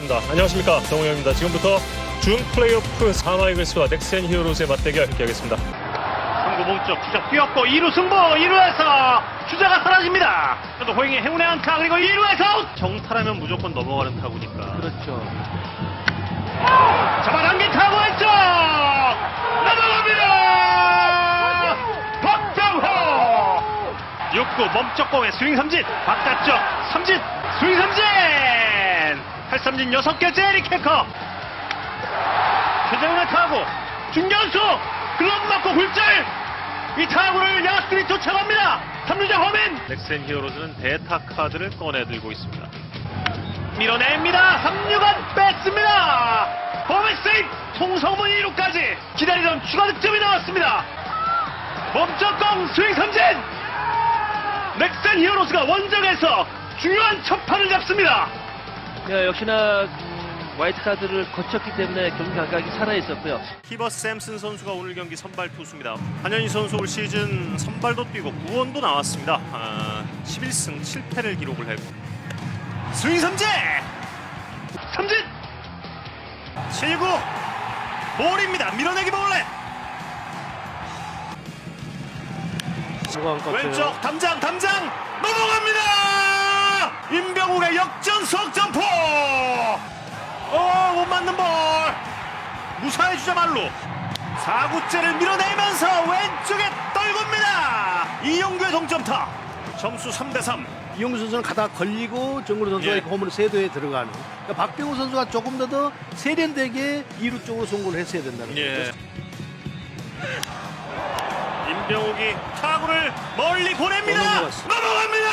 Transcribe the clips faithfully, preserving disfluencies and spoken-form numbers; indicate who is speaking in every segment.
Speaker 1: 하겠습니다. 안녕하십니까, 정우영입니다. 지금부터 준 플레이오프 하나이글스와 넥센 히어로즈의 맞대결 함께하겠습니다.
Speaker 2: 삼구 몸쪽 주자 뛰었고 이 루 승부, 이 루에서 주자가 사라집니다. 그래도 호잉의 행운의 안타, 그리고 이 루에서 아웃. 정타라면 무조건 넘어가는 타구니까.
Speaker 3: 그렇죠.
Speaker 2: 잡아당긴 타구 왼쪽 넘어갑니다. 박정호 육 구 몸쪽 공에 스윙 삼진, 바깥쪽 삼진, 스윙 삼진, 탈삼진 여섯 개째 에릭 해커. 최정훈의 타구 중견수 글러브 맞고 굴절. 이 타구를 야수들이 쫓아갑니다. 삼루자 홈인. 넥센 히어로즈는 대타 카드를 꺼내들고 있습니다. 밀어냅니다. 삼루간 뺐습니다. 홈에 세이프. 송성문 이 루까지 기다리던 추가 득점이 나왔습니다. 몸쪽 공 스윙 삼진. 넥센 히어로즈가 원정에서 중요한 첫 판을 잡습니다.
Speaker 3: 야, 역시나 음, 화이트 카드를 거쳤기 때문에 경기 감각이 살아있었고요.
Speaker 1: 히버 샘슨 선수가 오늘 경기 선발 투수입니다. 한현희 선수 올 시즌 선발도 뛰고 구원도 나왔습니다. 아, 십일 승 칠 패를 기록을 했고 스윙 삼진!
Speaker 2: 삼진.
Speaker 1: 칠 구 볼입니다. 밀어내기 볼넷. 왼쪽 담장 담장 넘어갑니다. 임병욱의 역전석 점포. 어, 못 맞는 볼. 무사히 주자 말로 사 구째를 밀어내면서 왼쪽에 떨굽니다. 이용규의 동점타. 점수 삼 대 삼.
Speaker 4: 이용규 선수는 가다 걸리고 정근우 선수가
Speaker 1: 예.
Speaker 4: 이렇게 홈으로 세도에 들어가는. 그러니까 박병호 선수가 조금 더 더 세련되게 이 루 쪽으로 송구를 했어야 된다는
Speaker 1: 예.
Speaker 4: 거죠.
Speaker 1: 임병욱이 타구를 멀리 보냅니다.
Speaker 4: 넘어갔어.
Speaker 1: 넘어갑니다.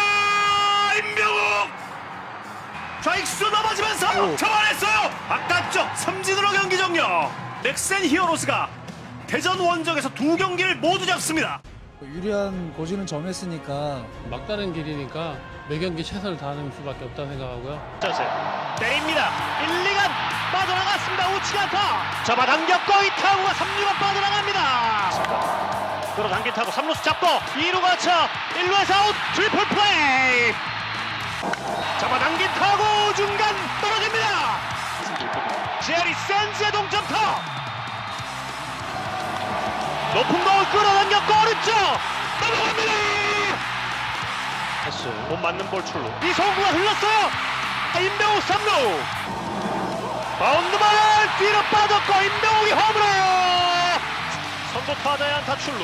Speaker 1: 임병욱 좌익수 넘어지면서
Speaker 4: 오.
Speaker 1: 잡아냈어요. 바깥쪽 삼진으로 경기 종료. 넥센 히어로즈가 대전 원정에서 두 경기를 모두 잡습니다.
Speaker 5: 유리한 고지는 점했으니까
Speaker 6: 막다른 길이니까 매 경기 최선을 다하는 수밖에 없다고 생각하고요.
Speaker 1: 자세 때립니다. 일, 이간 빠져나갔습니다. 우측 안타. 잡아당겼고 이 타구가 삼 루가 빠져나갑니다. 끌어당긴 타구 삼 루수 잡고 이 루 거쳐 일 루에서 아웃. 트리플 플레이. 잡아당긴 타구 중간 떨어집니다. 제리 샌즈의 동점타. 높은 공 끌어당겼고 오른쪽 넘어갑니다. 못 맞는 볼 출루. 이성구가 흘렀어요. 임병욱 삼 루. 바운드볼 뒤로 빠졌고 임병욱이 홈으로. 선두 타자의 안타 출루.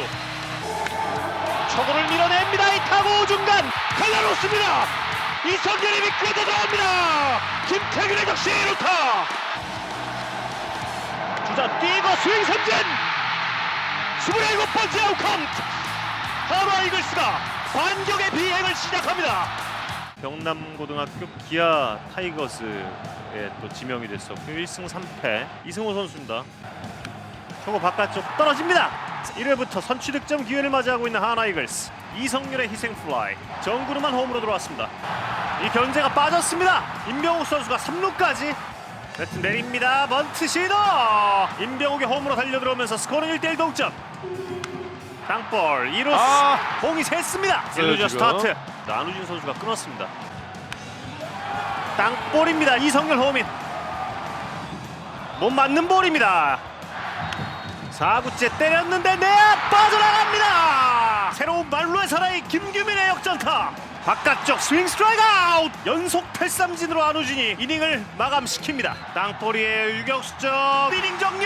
Speaker 1: 초구를 밀어냅니다. 이 타구 중간 갈라놓습니다. 이성균이 미끄러 들어갑니다. 김태균의 적시 일 루타. 주자 뛰고 스윙 삼진. 스물일곱 번째 아웃 카운트. 하나 이글스가 반격의 비행을 시작합니다. 경남고등학교 기아 타이거스에 또 지명이 됐었고 일 승 삼 패 이승호 선수입니다. 초구 바깥쪽 떨어집니다. 일 회부터 선취 득점 기회를 맞이하고 있는 하나 이글스. 이성률의 희생 플라이. 정구르만 홈으로 들어왔습니다. 이 견제가 빠졌습니다. 임병욱 선수가 삼 루까지 배트 내립니다. 번트 시도. 임병욱이 홈으로 달려들어오면서 스코어는 일 대 일 동점. 땅볼 이 루수
Speaker 4: 아.
Speaker 1: 공이 샜습니다. 일 루자
Speaker 4: 지금.
Speaker 1: 스타트. 안우진 선수가 끊었습니다. 땅볼입니다. 이성열 홈인. 못 맞는 볼입니다. 사 구째 때렸는데 내야 빠져나갑니다. 새로운 말로의 사나이 김규민의 역전타. 바깥쪽 스윙 스트라이크 아웃. 연속 탈삼진으로 안우진이 이닝을 마감시킵니다. 땅볼이에요. 유격수 쪽 이닝 종료.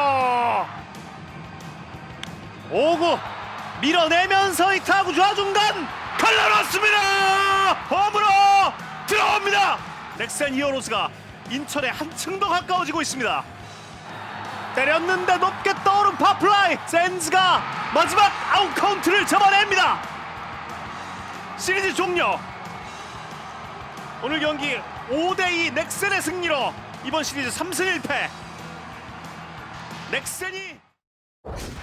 Speaker 1: 오 구 밀어내면서 이 타구 좌중간 갈라놨습니다. 홈으로 들어옵니다. 넥센 히어로즈가 인천에 한층 더 가까워지고 있습니다. 때렸는데 높게 떠오른 파플라이. 샌즈가 마지막 아웃 카운트를 잡아냅니다. 시리즈 종료. 오늘 경기 오 대 이 넥센의 승리로 이번 시리즈 삼 승 일 패. 넥센이